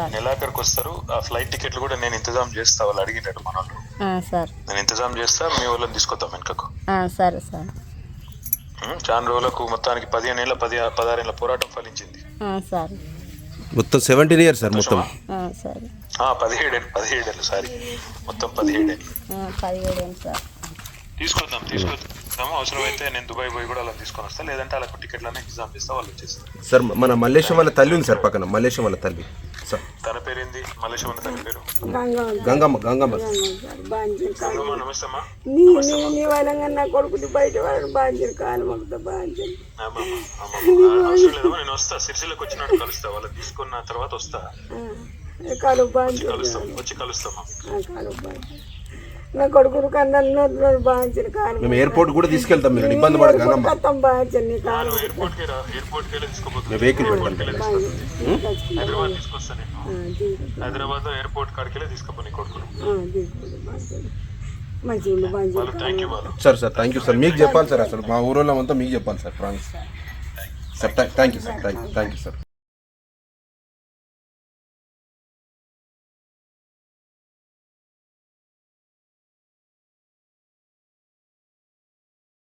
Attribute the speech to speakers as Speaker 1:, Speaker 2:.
Speaker 1: నెలాఖరికి వస్తారు. ఆ ఫ్లైట్ టికెట్లు కూడా నేను ఇంతజాం చేస్తా, వాళ్ళు అడిగినట్టు మన వాళ్ళు.
Speaker 2: సార్
Speaker 1: నేను ఇంతజాం చేస్తా, మీ వాళ్ళని తీసుకొద్దాం వెనుకకు.
Speaker 2: సరే సార్.
Speaker 1: చాలా రోజులకు మొత్తానికి 15 ఏళ్ళ 16 ఏళ్ళ పోరాటం ఫలించింది
Speaker 2: సార్.
Speaker 3: మొత్తం 17 years సార్ మొత్తం.
Speaker 2: సరే.
Speaker 1: 17 ఏళ్ళు సారీ, మొత్తం 17 ఏళ్ళు.
Speaker 2: 17 ఏళ్ళు సార్.
Speaker 1: తీసుకొద్దాము. అవసరమైతే నేను దుబాయ్ పోయి కూడా అలా తీసుకొని వస్తా, లేదంటే వాళ్ళకు టికెట్లనే ఎగ్జామ్ చేస్తా, వాళ్ళు వచ్చేస్తారు.
Speaker 3: సార్ మన మల్లేశం వాళ్ళ తల్లి ఉంది సార్ పక్కన, మల్లేశం వాళ్ళ తల్లి సార్.
Speaker 1: తన పేరేంది? మల్లేశం అన్న తన పేరు
Speaker 3: గంగమ్మ. గంగమ్మ.
Speaker 1: నమస్తే అమ్మా.
Speaker 4: నా కొడుకుని బయట వాడు బాంజరు కాలు మొక్కుతా బాంజరు.
Speaker 1: అవసరం లేదమ్మా, నేను వస్తా, సిరిసిల్లకు వచ్చినట్టు కలుస్తా, వాళ్ళని తీసుకున్న తర్వాత వస్తా,
Speaker 4: కాలు బాంజరు
Speaker 1: వచ్చి కలుస్తామా.
Speaker 4: కాలు బాంజరు నా కొడుకును కన్నా బాంజరు కాలు.
Speaker 3: మేము ఎయిర్పోర్ట్ కూడా తీసుకెళ్తాం, మీరు ఇబ్బంది పడదు. గంగమ్మ
Speaker 4: బాంజరు నీ కాలు
Speaker 1: ఎయిర్పోర్ట్కి వెళ్ళి తీసుకోపోతుంది.
Speaker 3: వెహికల్ పెడతాం.
Speaker 1: హైదరాబాద్ తీసుకొస్తా నేను, హైదరాబాద్ ఎయిర్పోర్ట్ కాడికి వెళ్ళి తీసుకుపోయి కొడుకును.
Speaker 4: మంచిగా బాంజరు.
Speaker 1: థ్యాంక్ యూ వాళ్ళు.
Speaker 3: Sir thank you sir. మీకు చెప్పాలి సార్, అసలు మా ఊరోళ్ళం అంతా మీకు చెప్పాలి sir. Promise sir. Thank you sir. Thank you sir.